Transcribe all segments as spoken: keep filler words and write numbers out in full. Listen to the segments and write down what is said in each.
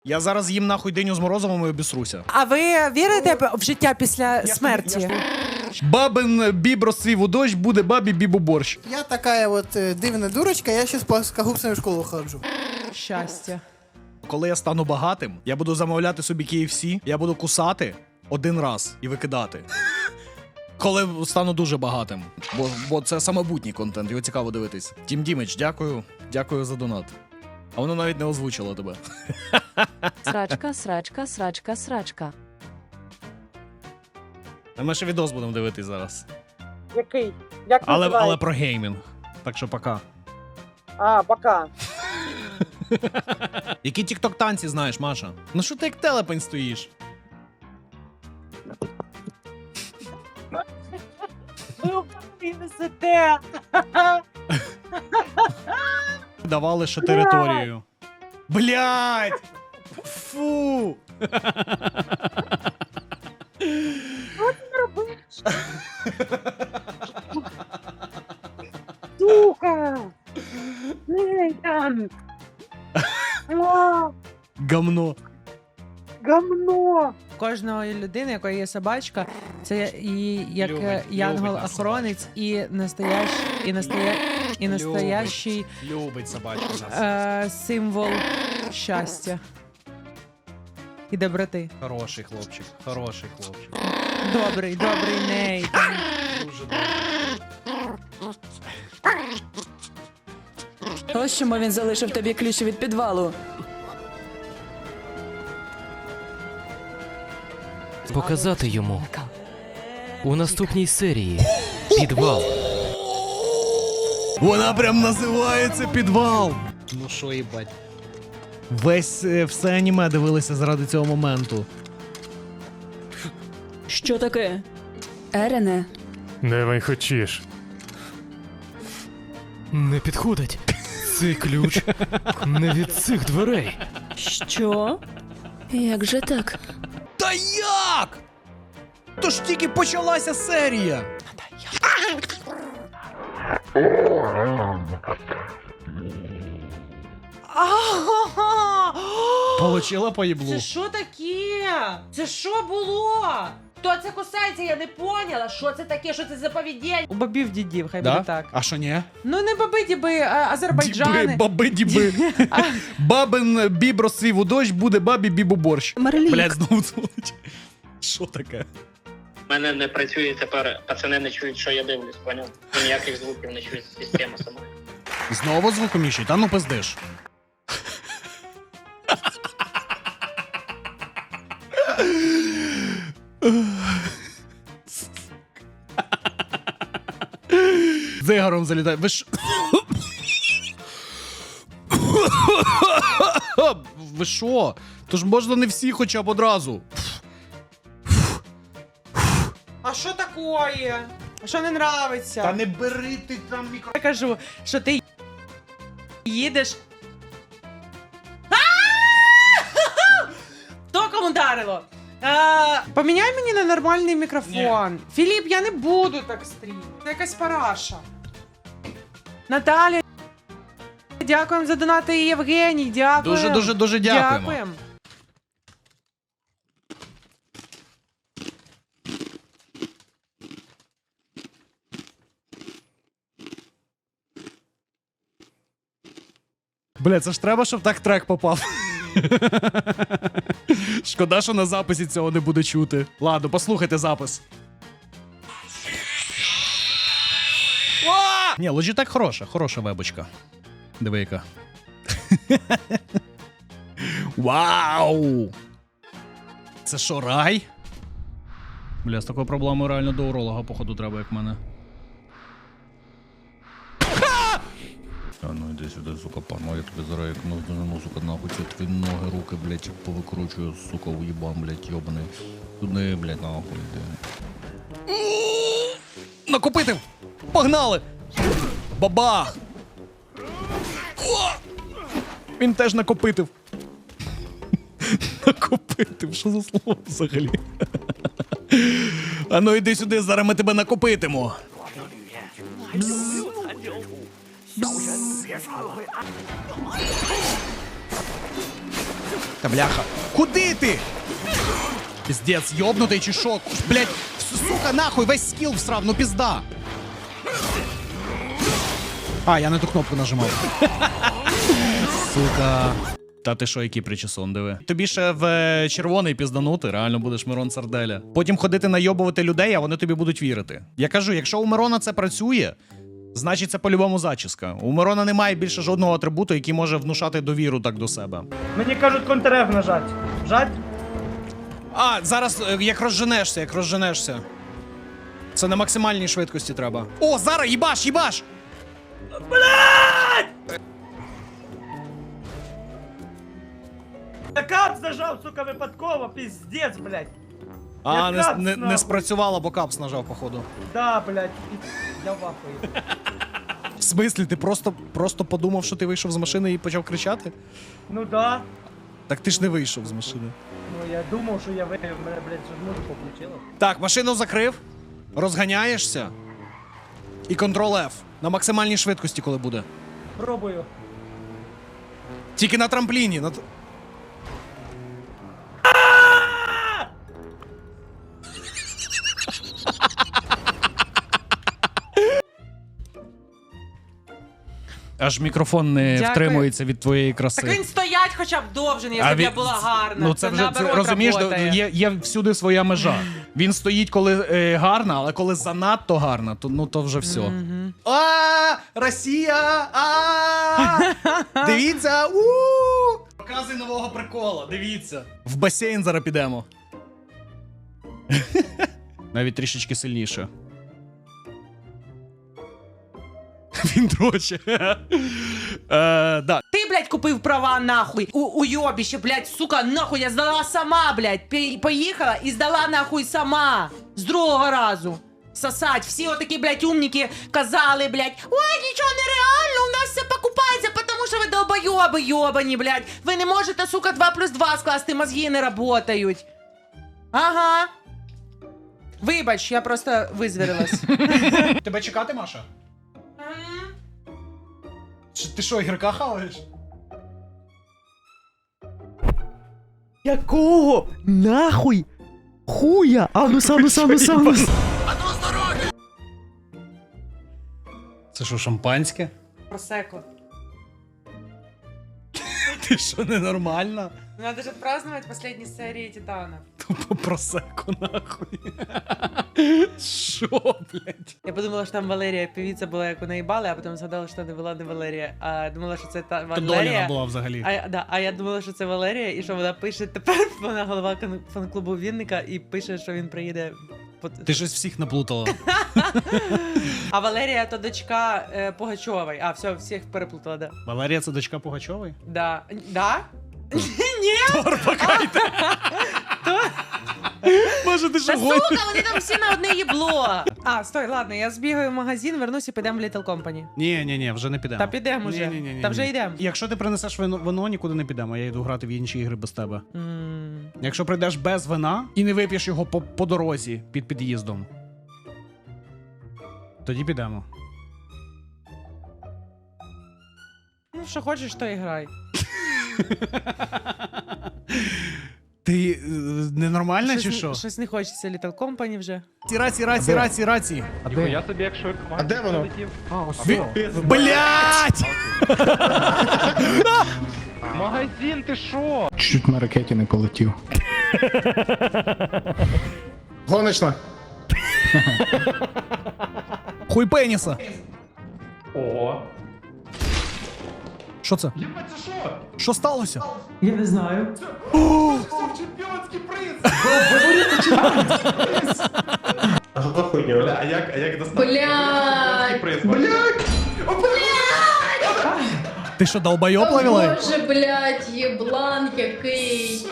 Я зараз їм нахуй диню з морозивом і обісруся. А ви вірите в життя після смерті? Бабин біб розцвів у дощ, буде бабі біб у борщ. Я такая вот э, дивная дурочка, я сейчас по скагупсам в школу ходжу. Щастя. Коли я стану багатим, я буду замовляти собі кей еф сі, я буду кусати один раз і викидати. Коли стану дуже багатим. Бо, бо це самобутній контент, його цікаво дивитись. Тім Дімич, дякую. Дякую за донат. А воно навіть не озвучило тебе. Срачка, срачка, срачка, срачка. А ми ще відос будемо дивитись зараз. Який? Як Але, називається? але про геймінг. Так що пока. А, пока. Які тік-ток танці знаєш, Маша? Ну що ти як телепень стоїш? Ви принесете. Давали ще територію. Блять! Фу! Сука! Нейтан! А, Гамно. Гамно! Кожної людини, якої є собачка, це і як Любить, е, любить янгол-охоронець, і настоящий, і настоя... і настоящий Любить собачку нас. е, символ щастя і доброти. Хороший хлопчик, хороший хлопчик. Добрий, добрий Нейтан. Дуже добре. Ось чому він залишив тобі ключі від підвалу. Показати йому у наступній серії підвал. Вона прям називається підвал. Ну що, їбать. Весь е, все аніме дивилися заради цього моменту. Що таке? Ерене, Давай хочеш. Не підходить. Цей ключ не від цих дверей. що? Як же так? Та як? То ж тільки почалася серія. Получила по їблу. Це що таке? Це що було? Хто це кусається? Я не поняла. Що це таке? Що це за поведіння? У бабів дідів, хай буде так. А що ні? Ну не баби діби, а азербайджани. Діби, баби діби. Бабин біб розцвів у дощ, буде бабі біб у борщ. Марлік. Блять, знову дзвонить. Що таке? У мене не працює тепер, пацани не чують, що я дивлюсь, поняв? Ніяких звуків не чує система сама. Знову звукоміщий? Та ну пиздиш. Дзигаром залітає. Ви ж... Ви що? Тож можна не всі хоча б одразу. А що такое? А що не нравиться? Та не бери ти там мікро... Я кажу, що ти їдеш. Хто кому ударило? Е, Поміняй мені на нормальний мікрофон. Філіп, я не буду так стрімити. Це якась параша. Наталя, дякуємо за донати, і Євгеній, дякуємо. Дуже, дуже, дуже дякуємо. Дякуємо. Бля, це ж треба, щоб так трек попав. Шкода, що на записі цього не буде чути. Ладно, послухайте запис. Ні, Logitech хороша, хороша вебочка. Диви яка. Вау! Це що, рай? Бля, з такою проблемою реально до уролога, походу, треба, як в мене. А ну іди сюди, сука, пану, я тобі зараз як ну, сука, нахуй, ці твої ноги, руки, блядь, повикручую, сука, уїбам, блядь, йобаний. Туди, блядь, нахуй, іди. Накопитив! Погнали! Бабах! О! Він теж накопитив. Накопитив, що за слово взагалі? А ну іди сюди, зараз ми тебе накопитимо. Бзз. Бзз. Та бляха. Куди ти? Піздець, йобнутий чи шо? Блять, сука, нахуй, весь скіл всрав, ну пізда. А, я не ту кнопку нажимав. Сука. Та ти що, який причесон, диви. Тобі ще в е, червоний пізданути, реально будеш Мирон Сарделя. Потім ходити найобувати людей, а вони тобі будуть вірити. Я кажу, якщо у Мирона це працює, значить це по-любому зачіска. У Мирона немає більше жодного атрибуту, який може внушати довіру так до себе. Мені кажуть контр-Ф нажать. Жать? А, зараз е, як розженешся, як розженешся. Це на максимальній швидкості треба. О, зараз їбаш, їбаш! Я капс нажав, сука, випадково, піздець, блядь. А, Я не, капс, не, не нахуй. спрацювало, бо капс нажав, походу. Да, блядь. Я в ахуї. В смислі, ти просто, просто подумав, що ти вийшов з машини і почав кричати? Ну да. Так ти ж не вийшов з машини. Ну я думав, що я вивів, мене, блядь, що музику включило. Так, машину закрив, розганяєшся і Ctrl-F на максимальній швидкості, коли буде. Пробую. Тільки на трампліні. На... т- Аж мікрофон не Дякую. втримується від твоєї краси. Так він стоять хоча б довше, якщо б він- я була гарна. Ну це вже це, наоборот розумієш, работає. є, є всюди своя межа. Він стоїть, коли е, гарна, але коли занадто гарна, то ну то вже все. Мгм. А, Росія! А! Дивіться! У! Показуй нового прикола, дивіться. В басейн зараз підемо. Навіть трішечки сильніше. Він дроче. Е, да. Ти, блядь, купив права нахуй. У уйобіще, блядь, сука, нахуй, я здала сама, блядь. Пі- Поїхала і здала нахуй сама. З другого разу. Сосать. Всі отакі, блядь, умніки казали, блядь, ой, нічого нереально, у нас все покупається, тому що ви долбойоби йобані, блядь. Ви не можете, сука, два плюс два скласти, мозги не работають. Ага. Вибач, я просто визвірилась. Тебе чекати, Маша? Чи ти що, ігрока хаваєш? Якого? Нахуй? Хуя? Анус, анус, анус, анус. Це що, шампанське? Просеко. Ти що, ненормальна? Надо же отпраздновать последние серии Титана. Тупо просеку, нахуй. Що, блядь? Я подумала, що там Валерія певиця була, як у неї бали, а потім згадала, що не була не Валерія, а думала, що це та То Доліна Валерія. була взагалі. А, я- да, а я думала, що це Валерія, і що вона пише тепер, вона голова кон- фан-клубу Вінника, і пише, що він приїде. по- Ти щось всіх наплутала. А Валерія то дочка е, Пугачової. А, все, всіх переплутала, да. Валерія це дочка Пугачової? Да. Да? Ні? Торпакайте! Боже, ти що Та гониш? сука, вони там всі на одне їбло. А, стой, ладно, я збігаю в магазин, вернусь і підемо в Little Company. Ні, ні, ні, вже не підемо. Та підемо вже. Ні-ні-ні-ні. Та вже йдемо. Якщо ти принесеш вино, вино, нікуди не підемо, я йду грати в інші ігри без тебе. М. Якщо прийдеш без вина і не вип'єш його по, по дорозі під під'їздом, тоді підемо. Ну, що хочеш, то і грай. Ти е, ненормальна чи Щось, що? щось не хочеться Little Company вже. Раці, раці, раці, раці. Я собі як швидко. А де воно? А, ось. Блять! Магазин, ти що? Чуть на ракеті не полетів. Гоночна. Хуй пеніса. О. Що це? Що сталося? Я не знаю. Чемпіонський приз! А що за хуйня? Бля, а як, а як достати? Блядь! Приз? Блядь! Ти що, долбойоб ловила? Боже, блядь, єблан який.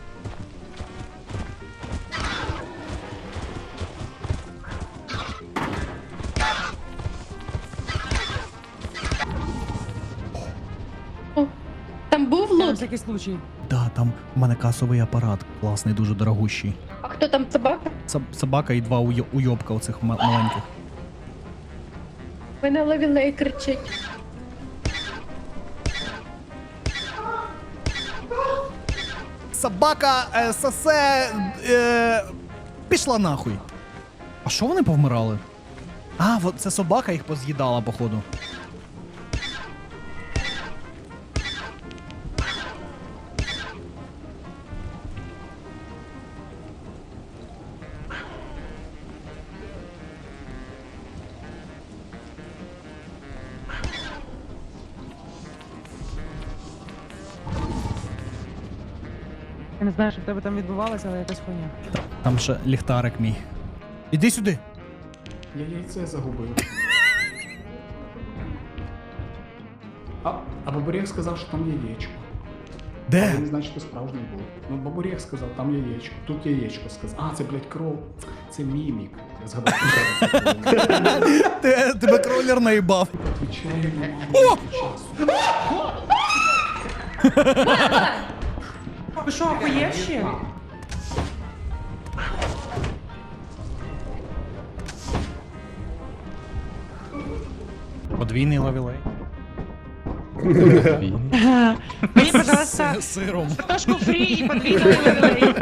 О, там був На лут? всякий случай. Да, там в мене касовий апарат класний, дуже дорогущий. А хто там собака? Соб- собака і два уйо- уйобка оцих ма- маленьких. Мене ловілей кричить. собака е, сосе. Е, пішла нахуй. А що вони повмирали? А, вот це собака їх поз'їдала, походу. Я не знаю, що в тебе там відбувалося, але якась хуйня. Там ще ліхтарик мій. Іди сюди. Я яйце загубив. А, а Бабурєх сказав, що там яєчко. Де? Це не значить, що справжній був. Ну, Бабурєх сказав, там яєчко. Тут яєчко сказав. А, це, блядь, кров. Це мімік. Я згадав. Те- Тебе кролер наїбав. Відповідає мамі часу. Ви що, охуєвші? Подвійний лавілей. Мені, пожалуйста, З сиром. картошку фрі і подвійний лавілей.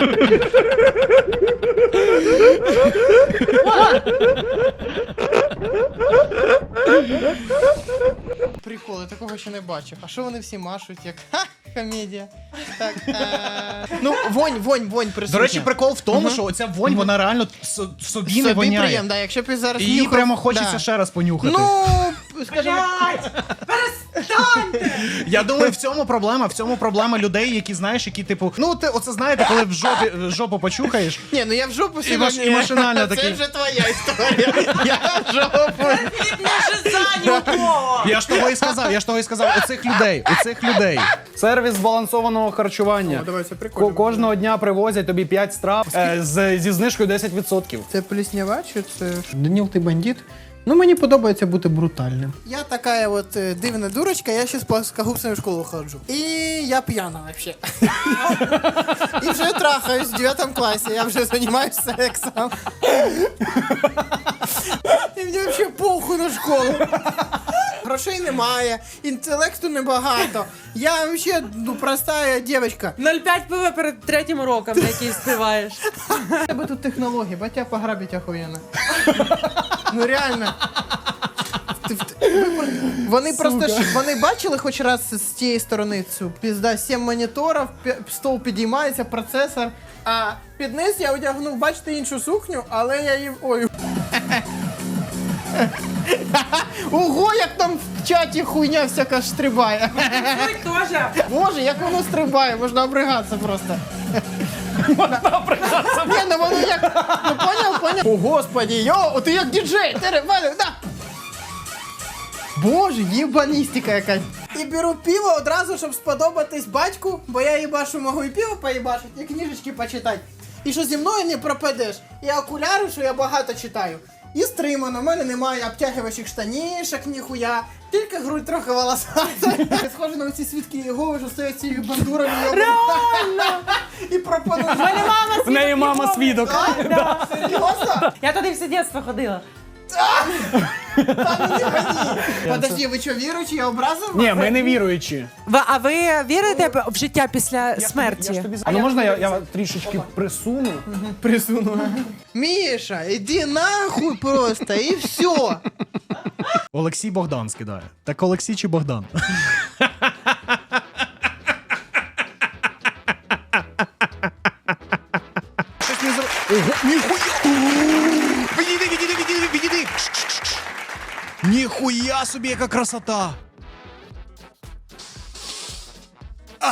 Приколи, такого ще не бачив. А що вони всі машуть, як ха, комедія. Так, е... ну, вонь, вонь, вонь присутня. До речі, прикол в тому, що оця вонь, вона реально с- собі не воняє. приємно, да, якщо б я зараз І її нюхав- прямо хочеться да. ще раз понюхати. Ну, скажімо, Я думаю, в цьому проблема, в цьому проблема людей, які, знаєш, які, типу, ну, ти оце знаєте, коли в жопі, в жопу почухаєш. ні, ну я в жопу І маш- сьогодні. і машинально Це такий. вже твоя історія. Я в жопу. Я ж того і сказав, я ж того і сказав, у цих людей, у цих людей. Сервіс збалансованого харчування. О, давай, це Ко- прикольно. Кожного дня привозять тобі п'ять страв е, з, зі знижкою десять відсотків. Це пліснява чи це... Даніл, ти бандит? Ну, мені подобається бути брутальним. Я така от е, дивна дурочка, я ще з плоскогубцями в школу ходжу. І я п'яна вообще. І вже трахаюсь в дев'ятому класі, я вже займаюся сексом. І мені взагалі похуй на школу. Грошей немає, інтелекту небагато. Я взагалі ну, проста дівчинка. нуль п'ять пива перед третім уроком, на який співаєш. У тебе тут технології, батя пограбить охуєнно. Ну реально. Ти в- ви- Вони просто ж, вони бачили хоч раз з тієї сторони цю пізда, сім моніторів, пі- стол підіймається, процесор, а під низ я одягнув, бачите, іншу сукню, але я її. Ой. Ого, як там в чаті хуйня всяка стрибає. Ой, теж. Боже, як воно стрибає, можна обригатися просто. Можна обригатися. Ні, ну воно як. Ну поняв, поняв? О, господі, йо, ти як діджей, ти рибалю, да. Боже, єбаністика якась. І беру пиво одразу, щоб сподобатись батьку, бо я їбашу можу і пиво поїбашити, і книжечки почитати. І що зі мною не пропадеш. І окуляри, що я багато читаю. І стримано, в мене немає обтягувачів штанішок, ніхуя. Тільки грудь трохи волосата. Схоже на ці свідки Єгови, що стоять цією бандурами. Реально! І пропонують. В мене мама В неї мама свідок. Да? Серйозно? Я туди все дитинство ходила. Та ну не гони. Подожди, ви що, віруючі? Я образив? Ні, ми не віруючі. Ви, а ви вірите в життя після Я смерті? ж тобі... А ну можна я, я трішечки присуну? Присуну. Міша, іди нахуй просто, і все. Олексій Богдан скидає. Так Олексій чи Богдан? Щось не зро... Ого, ніхуя! Відійди, відійди, відійди, відійди! Ніхуя собі, яка красота! А,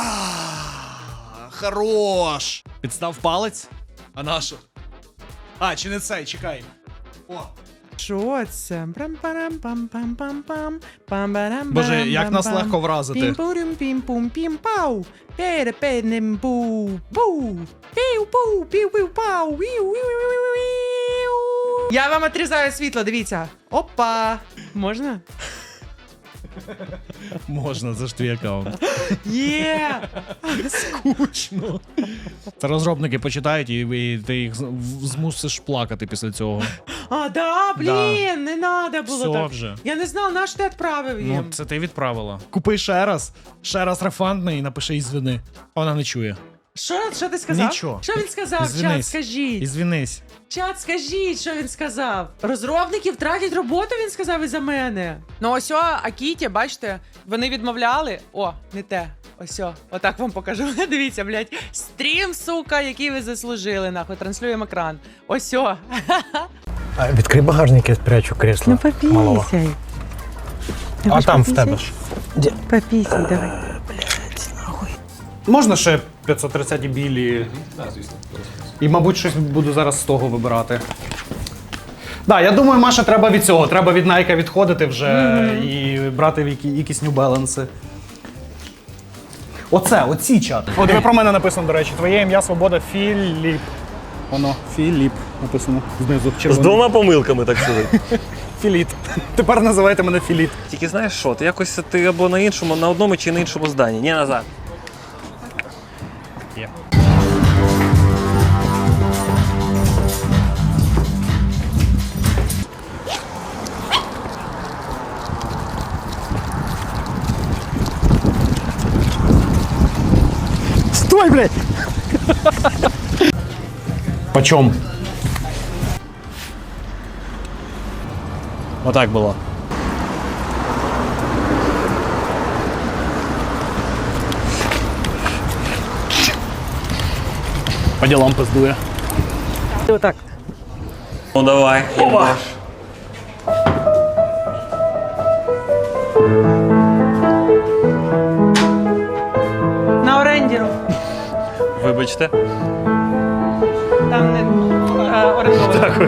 хорош! Підстав палець? А на що? А, чи не цей, чекай. О. Що це? Прам-парам-пам-пам-пам-пам. Пам-барам-барам-бам-бам. Боже, як нас легко вразити. Пім-пурюм-пім-пум-пім-пау. Пере-пе-нем-бу. Бу. Піу-пу, піу-піу-пау. Віу-віу-віу-віу. Я вам отрізаю світло, дивіться. Опа. Можна? Можна, це ж твій аккаунт. Є! Скучно. Це розробники почитають, і, і ти їх з- в- змусиш плакати після цього. А, да, блін, не надо було Все так. вже. Я не знав, на що ти відправив їм. Ну, це ти відправила. Купи ще раз, ще раз рефандний і напиши із вини. Вона не чує. Що, що ти сказав? Нічого. Що він сказав? Чат, Ізвинись. скажіть. Ізвінись. Чат, скажіть, що він сказав. Розробники втратять роботу, він сказав із-за мене. Ну ось о, Акіті, бачите, вони відмовляли. О, не те. Ось о, отак вам покажу. Дивіться, блядь. Стрім, сука, який ви заслужили, нахуй. Транслюємо екран. Ось о. Відкрий багажник, я спрячу кресло. Ну попісяй. А там в тебе ж. Попісяй, давай. Можна ще п'ятсот тридцять білі? І, мабуть, щось буду зараз з того вибирати. Да, я думаю, Маша, треба від цього. Треба від Nike відходити вже і брати які, якісь New Balance. Оце, оці чати. От ви про мене написано, до речі. Твоє ім'я Свобода Філіп. Воно, Філіп написано знизу. З двома помилками, так сказати. Філіт. Тепер називайте мене Філіт. Тільки знаєш що, ти якось ти або на іншому, на одному чи на іншому зданні. Ні, назад. Є. Стой, блядь! Почем? Отак було. По ділам пиздує. Отак. Ну давай. Опа. На орендіру. Вибачте. Там не е, орендовано. Дякую.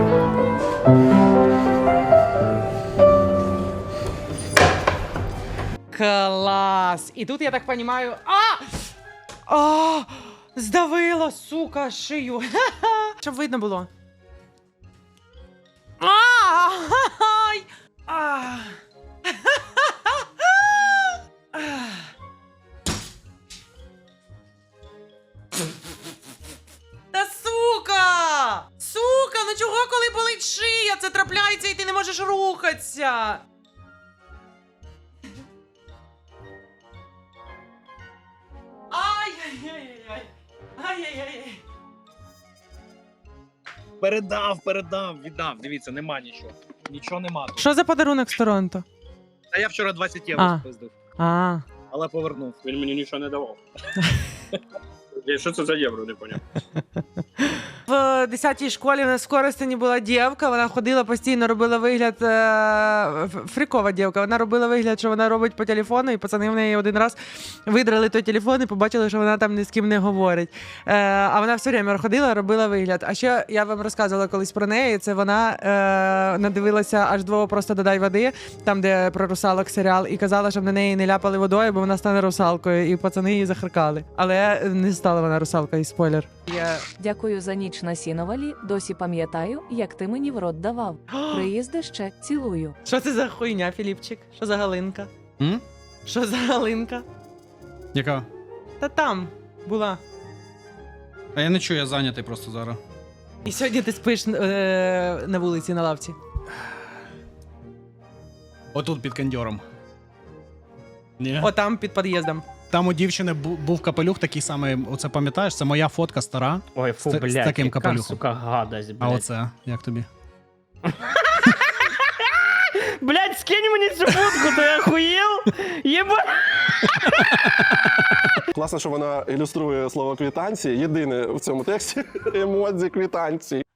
Клас! І тут, я так розумію... А! А! Здавило, сука, шию. Ха-ха! Щоб видно було. А! Ай! А! Та сука! Сука, ну чого, коли болить шия? Це трапляється і ти не можеш рухатися. Ай-яй-яй-яй. Ай-яй-яй. Передав, передав, віддав. Дивіться, нема нічого. Нічого нема. тут. Що за подарунок з Торонто? А я вчора двадцять А. євро спиздив, А. але повернув. Він мені нічого не давав. Що це за євро, не поняв. В десятій школі в нас в Коростені була дівка, вона ходила постійно, робила вигляд, е- ф- фрікова дівка, вона робила вигляд, що вона робить по телефону, і пацани в неї один раз видрали той телефон і побачили, що вона там ні з ким не говорить. Е- а вона все время ходила, робила вигляд. А ще я вам розказувала колись про неї, це вона е- надивилася аж двого «Просто додай води», там, де про русалок серіал, і казала, щоб на неї не ляпали водою, бо вона стане русалкою, і пацани її захаркали. Але не стала вона русалкою, спойлер. Я... Дякую за ніч на сіновалі. Досі пам'ятаю, як ти мені в рот давав. Приїзди ще, цілую. Що це за хуйня, Філіпчик? Що за галинка? М? Що за галинка? Яка? Та там була. А я не чую, я зайнятий просто зараз. І сьогодні ти спиш е- на вулиці на лавці. Отут під кондьором. Ні. О, там під під'їздом. Там у дівчини бу- був капелюх такий самий, оце пам'ятаєш? Це моя фотка стара. Ой, фу, З- з блядь, таким яка, капелюхом. сука, гадость, А оце, як тобі? Блядь, скинь мені цю фотку, ти охуєл? Єба... Класно, що вона ілюструє слово квитанції. Єдине в цьому тексті емодзі квитанції.